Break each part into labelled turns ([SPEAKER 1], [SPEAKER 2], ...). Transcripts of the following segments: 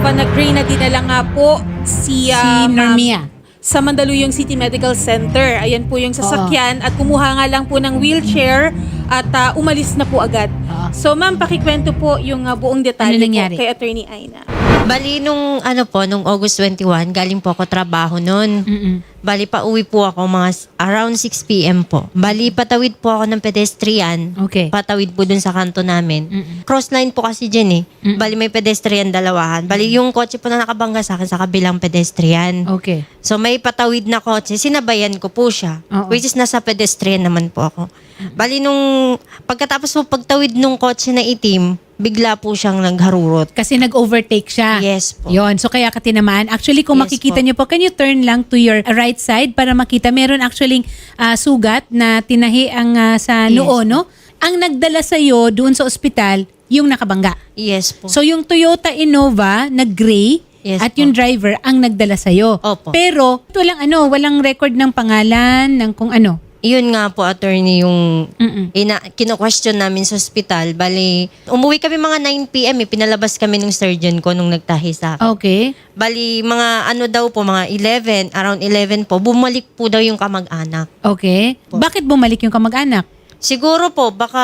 [SPEAKER 1] Innova na gray na dinala nga po si
[SPEAKER 2] Normia.
[SPEAKER 1] sa Mandaluyong City Medical Center. Ayan po yung sasakyan at kumuha nga lang po ng wheelchair at umalis na po agad. So ma'am, pakikwento po yung buong detalye
[SPEAKER 2] Ano nangyari?
[SPEAKER 1] po kay Attorney Aina.
[SPEAKER 3] Bali, nung August 21, galing po ako trabaho noon. Bali, pauwi po ako around 6 p.m. po. Bali, patawid po ako ng pedestrian.
[SPEAKER 2] Okay.
[SPEAKER 3] Patawid po dun sa kanto namin. Crossline po kasi dyan eh. Bali, may pedestrian dalawahan. Bali, yung kotse po na nakabangga sa akin sa kabilang pedestrian.
[SPEAKER 2] Okay.
[SPEAKER 3] So, may patawid na kotse. Sinabayan ko po siya.
[SPEAKER 2] Oo.
[SPEAKER 3] Which is nasa pedestrian naman po ako. Bali, nung pagkatapos po pagtawid nung kotse na itim, bigla po siyang nagharurot.
[SPEAKER 2] Kasi nag-overtake siya.
[SPEAKER 3] Yes po.
[SPEAKER 2] Yon, so kaya ka tinamaan. Actually, kung
[SPEAKER 3] Yes
[SPEAKER 2] makikita
[SPEAKER 3] po.
[SPEAKER 2] niyo po, can you turn lang to your right side para makita? Meron actually sugat na tinahi ang sa
[SPEAKER 3] Yes
[SPEAKER 2] noo, no? Ang nagdala sa'yo doon sa ospital, yung nakabangga.
[SPEAKER 3] Yes po.
[SPEAKER 2] So yung Toyota Innova na gray
[SPEAKER 3] Yes
[SPEAKER 2] at
[SPEAKER 3] po.
[SPEAKER 2] yung driver ang nagdala sa'yo.
[SPEAKER 3] Opo.
[SPEAKER 2] Pero walang record ng pangalan, ng kung ano.
[SPEAKER 3] Yun nga po, attorney, yung
[SPEAKER 2] Mm-mm.
[SPEAKER 3] kino-question namin sa ospital. Bali, umuwi kami mga 9 p.m. Pinalabas kami ng surgeon ko nung nagtahi sa akin.
[SPEAKER 2] Okay.
[SPEAKER 3] Bali, mga mga 11, around 11 po, bumalik po daw yung kamag-anak.
[SPEAKER 2] Okay. Bakit bumalik yung kamag-anak?
[SPEAKER 3] Siguro po, baka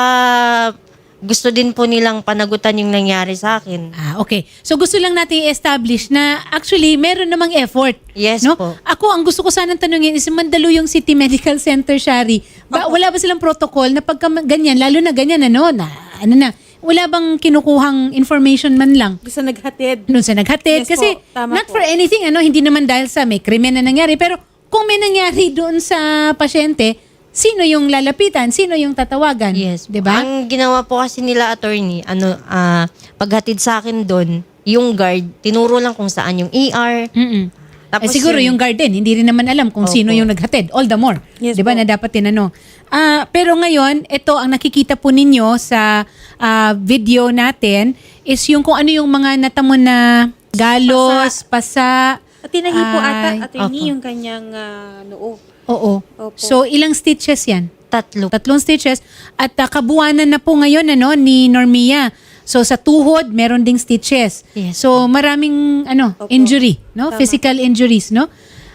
[SPEAKER 3] gusto din po nilang panagutan yung nangyari sa akin.
[SPEAKER 2] Okay. So gusto lang natin i-establish na actually meron namang effort.
[SPEAKER 3] Yes
[SPEAKER 2] No?
[SPEAKER 3] po.
[SPEAKER 2] Ako, ang gusto ko sanang tanungin is Mandaluyong City Medical Center, Shari. Wala ba silang protocol na pagka ganyan, lalo na ganyan, wala bang kinukuhang information man lang?
[SPEAKER 1] Gusto naghatid.
[SPEAKER 2] Doon sa naghatid.
[SPEAKER 1] Yes
[SPEAKER 2] Kasi
[SPEAKER 1] po, tama
[SPEAKER 2] not
[SPEAKER 1] po.
[SPEAKER 2] for anything, hindi naman dahil sa may krimen na nangyari. Pero kung may nangyari doon sa pasyente, sino yung lalapitan? Sino yung tatawagan?
[SPEAKER 3] Yes.
[SPEAKER 2] Diba?
[SPEAKER 3] Ang ginawa po kasi nila, attorney, paghatid sa akin doon, yung guard, tinuro lang kung saan yung ER.
[SPEAKER 2] Mm-mm.
[SPEAKER 3] Tapos
[SPEAKER 2] Siguro yung garden, hindi rin naman alam kung sino
[SPEAKER 3] Opo.
[SPEAKER 2] yung naghatid. All the more.
[SPEAKER 1] Yes
[SPEAKER 2] 'Di ba
[SPEAKER 1] po.
[SPEAKER 2] na dapat tinanong. Pero ngayon, ito ang nakikita po ninyo sa video natin is yung kung ano yung mga natamo na galos, pasa.
[SPEAKER 1] At tinahi po ata,
[SPEAKER 2] Ay,
[SPEAKER 1] Attorney,
[SPEAKER 3] opo.
[SPEAKER 1] yung kanyang noo.
[SPEAKER 2] Oo.
[SPEAKER 1] Opo.
[SPEAKER 2] So ilang stitches 'yan?
[SPEAKER 3] 3.
[SPEAKER 2] 3 stitches at kabuuanan na po ngayon ni Normia. So sa tuhod meron ding stitches.
[SPEAKER 3] Yes.
[SPEAKER 2] So maraming
[SPEAKER 1] Opo.
[SPEAKER 2] injury, no?
[SPEAKER 1] Tama.
[SPEAKER 2] Physical injuries, no?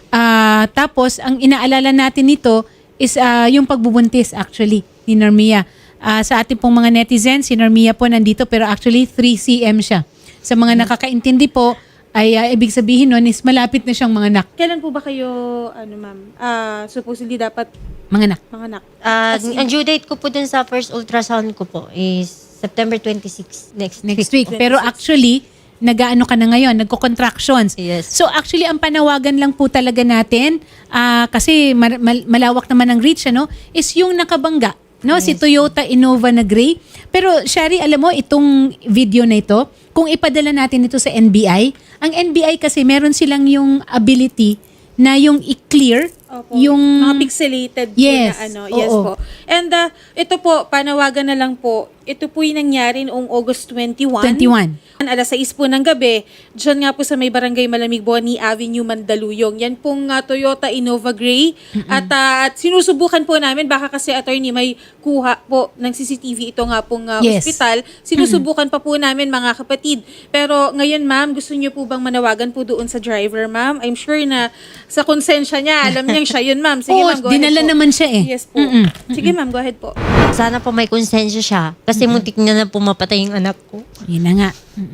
[SPEAKER 2] Tapos ang inaalala natin nito is yung pagbubuntis actually ni Normia. Sa ating pong mga netizens, si Normia po nandito pero actually 3 cm siya. Sa mga nakakaintindi po ay ibig sabihin nun is malapit na siyang manganak.
[SPEAKER 1] Kailan po ba kayo, ma'am, supposedly dapat
[SPEAKER 2] Manganak.
[SPEAKER 1] manganak?
[SPEAKER 3] Ang due date ko po dun sa first ultrasound ko po is September 26 next
[SPEAKER 2] Next week. Pero actually, nag-ano ka na ngayon, nagko-contractions.
[SPEAKER 3] Yes.
[SPEAKER 2] So actually, ang panawagan lang po talaga natin, kasi malawak naman ang reach, is yung nakabangga. No? Si Toyota Innova na gray. Pero Shari, alam mo, itong video na ito, kung ipadala natin ito sa NBI, ang NBI kasi meron silang yung ability na yung i-clear
[SPEAKER 1] Opo.
[SPEAKER 2] yung
[SPEAKER 1] mga pixelated
[SPEAKER 2] Yes,
[SPEAKER 1] po na Yes
[SPEAKER 2] oo.
[SPEAKER 1] po. And ito po, panawagan na lang po. Ito po yung nangyari noong August 21.
[SPEAKER 2] 21.
[SPEAKER 1] Alas 6 po ng gabi, dyan nga po sa may barangay Malamig Boni Avenue, Mandaluyong. Yan pong Toyota Innova Gray. At sinusubukan po namin, baka kasi attorney may kuha po ng CCTV ito nga pong
[SPEAKER 2] Yes.
[SPEAKER 1] ospital. Sinusubukan pa po namin mga kapatid. Pero ngayon ma'am, gusto niyo po bang manawagan po doon sa driver ma'am? I'm sure na sa konsensya niya, alam niyang siya yun ma'am. Sige
[SPEAKER 2] Oo,
[SPEAKER 1] ma'am, go ahead
[SPEAKER 2] dinala
[SPEAKER 1] po.
[SPEAKER 2] naman siya eh.
[SPEAKER 1] Yes po. Sige ma'am, go ahead po.
[SPEAKER 3] Sana po may konsensya siya. Kasi muntik niya na pumapatay yung anak ko.
[SPEAKER 2] Yun na nga.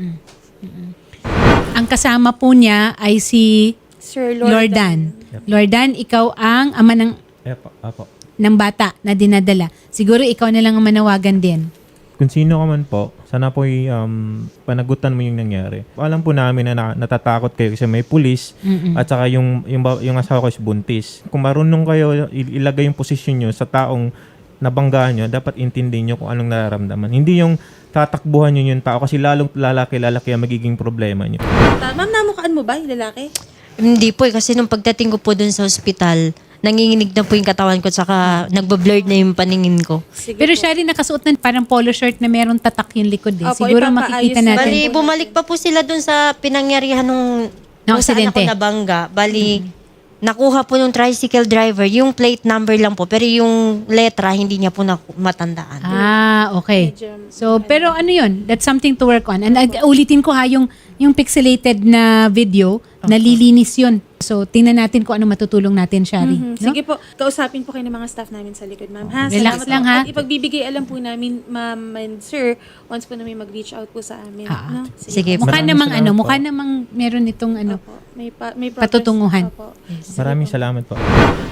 [SPEAKER 2] Ang kasama po niya ay si
[SPEAKER 1] Sir
[SPEAKER 2] Lordan. Lordan, ikaw ang ama
[SPEAKER 4] Apo.
[SPEAKER 2] ng bata na dinadala. Siguro ikaw na lang ang manawagan din.
[SPEAKER 4] Kung sino ka man po, sana po panagutan mo yung nangyari. Alam po namin na natatakot kayo kasi may pulis at saka yung asawa ko is buntis. Kung marunong kayo ilagay yung posisyon nyo sa taong nabanggaan nyo, dapat intindihin nyo kung anong nararamdaman. Hindi yung tatakbuhan nyo yung tao kasi lalong lalaki ang magiging problema nyo.
[SPEAKER 1] Ma'am, namukaan mo ba yung lalaki?
[SPEAKER 3] Hindi po kasi nung pagdating ko po dun sa ospital, nanginginig na po yung katawan ko saka nagbablurred na yung paningin ko.
[SPEAKER 1] Sige
[SPEAKER 2] Pero
[SPEAKER 1] po.
[SPEAKER 2] Shari, nakasuot na parang polo shirt na meron tatak yung likod eh.
[SPEAKER 1] Opo,
[SPEAKER 2] Siguro
[SPEAKER 1] ipapaayos
[SPEAKER 2] makikita
[SPEAKER 1] na.
[SPEAKER 2] natin.
[SPEAKER 3] Bali, bumalik pa po sila dun sa pinangyarihan nung
[SPEAKER 2] Na
[SPEAKER 3] kung saan
[SPEAKER 2] aksidente.
[SPEAKER 3] ako nabangga. Bali, nakuha po ng tricycle driver, yung plate number lang po, pero yung letra, hindi niya po matandaan.
[SPEAKER 2] Okay.
[SPEAKER 1] Medyo-
[SPEAKER 2] So, pero ano yun? That's something to work on. And ulitin ko ha, yung pixelated na video, nalilinis yun. So, tingnan natin kung ano matutulong natin, Shari. No?
[SPEAKER 1] Sige po, kausapin po kayo ng mga staff namin sa likod, ma'am. Ha?
[SPEAKER 2] Relax
[SPEAKER 1] Salamat
[SPEAKER 2] lang,
[SPEAKER 1] po.
[SPEAKER 2] ha?
[SPEAKER 1] At ipagbibigay alam po namin, ma'am and sir, once po na may mag-reach out po sa amin. No?
[SPEAKER 3] Sige po.
[SPEAKER 2] Mukha
[SPEAKER 4] Maraming
[SPEAKER 2] namang
[SPEAKER 4] salamat po.
[SPEAKER 2] mukha namang meron itong
[SPEAKER 1] Opo. May progress.
[SPEAKER 2] patutunguhan.
[SPEAKER 1] Opo.
[SPEAKER 4] Maraming salamat po.